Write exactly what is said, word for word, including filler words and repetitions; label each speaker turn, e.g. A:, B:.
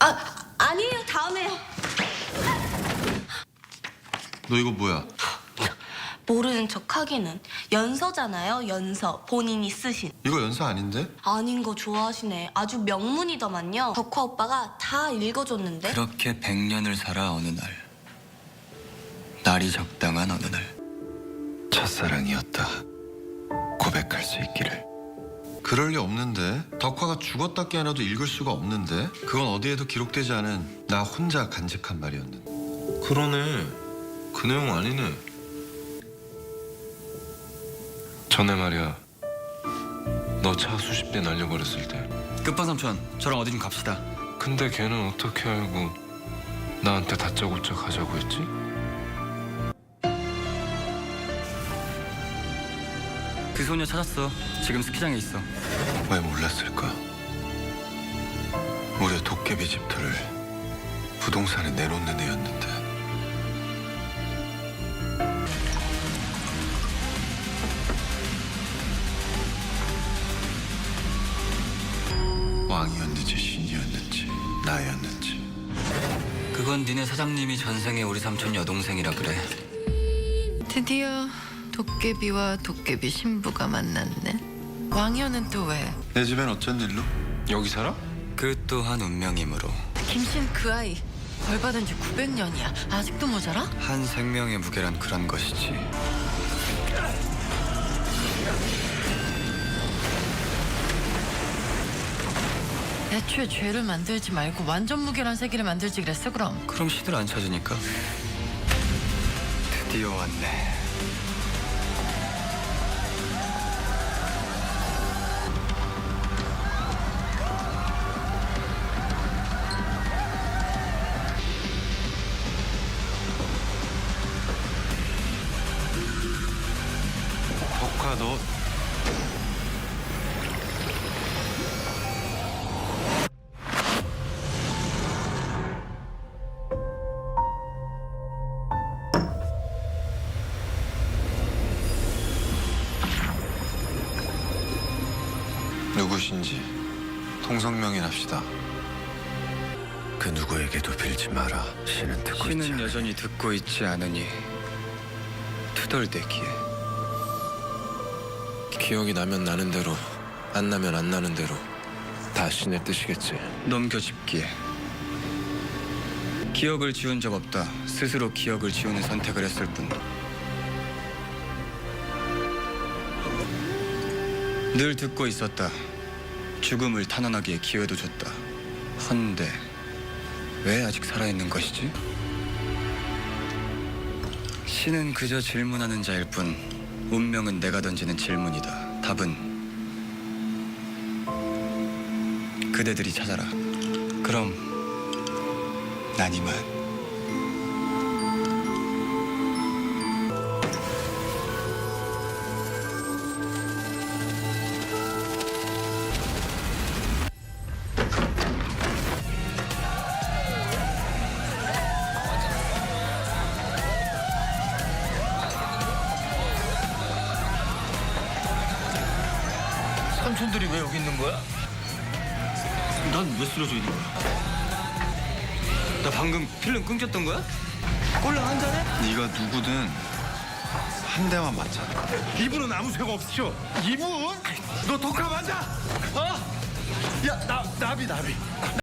A: 아, 아니에요. 다음에요.
B: 너 이거 뭐야?
A: 모르는 척 하기는. 연서잖아요. 연서. 본인이 쓰신.
B: 이거 연사 아닌데?
A: 아닌 거 좋아하시네. 아주 명문이더만요. 덕화 오빠가 다 읽어줬는데.
C: 그렇게 백 년을 살아 어느 날 날이 적당한 어느 날
B: 첫사랑이었다. 고백할 수 있기를. 그럴 리 없는데. 덕화가 죽었다 깨어나도 읽을 수가 없는데. 그건 어디에도 기록되지 않은 나 혼자 간직한 말이었는데.
D: 그러네. 그 내용 아니네. 전에 말이야. 너 차 수십 대 날려버렸을 때.
C: 끝번삼촌 저랑 어디 좀 갑시다.
D: 근데 걔는 어떻게 알고 나한테 다짜고짜 가자고 했지?
C: 그 소녀 찾았어. 지금 스키장에 있어.
B: 왜 몰랐을까? 우리의 도깨비 집터를 부동산에 내놓는 애였는데. 왕이었는지 신이었는지 나였는지.
C: 그건 니네 사장님이 전생에 우리 삼촌 여동생이라 그래.
E: 드디어 도깨비와 도깨비 신부가 만났네. 왕여는 또 왜?
B: 내 집엔 어쩐 일로?
D: 여기 살아?
C: 그 또한 운명이므로
E: 김신 그 아이 벌 받은 지 구백 년이야. 아직도 모자라?
C: 한 생명의 무게란 그런 것이지.
E: 애초에 죄를 만들지 말고 완전 무결한 세계를 만들지 그랬어 그럼.
C: 그럼 시들 안 찾으니까. 드디어 왔네.
B: 덕화 너 누구신지 통성명인합시다. 그 누구에게도 빌지 마라. 신은 듣고 있지
C: 신은
B: 않으니.
C: 여전히 듣고 있지 않으니 투덜대기에.
D: 기억이 나면 나는 대로, 안 나면 안 나는 대로 다 신의 뜻이겠지.
C: 넘겨짚기에. 기억을 지운 적 없다. 스스로 기억을 지우는 선택을 했을 뿐. 늘 듣고 있었다. 죽음을 탄원하기에 기회도 줬다. 헌데 왜 아직 살아있는 것이지? 신은 그저 질문하는 자일 뿐 운명은 내가 던지는 질문이다. 답은 그대들이 찾아라. 그럼 난 이만.
F: 삼촌들이 왜 여기 있는 거야?
C: 난 왜 쓰러져 있는 거야? 나 방금 필름 끊겼던 거야? 꼴랑 한 잔해?
B: 네가 누구든 한 대만 맞잖아.
F: 이분은 아무 죄가 없으셔. 이분? 너 독하 맞아? 어? 야, 나, 나비, 나비.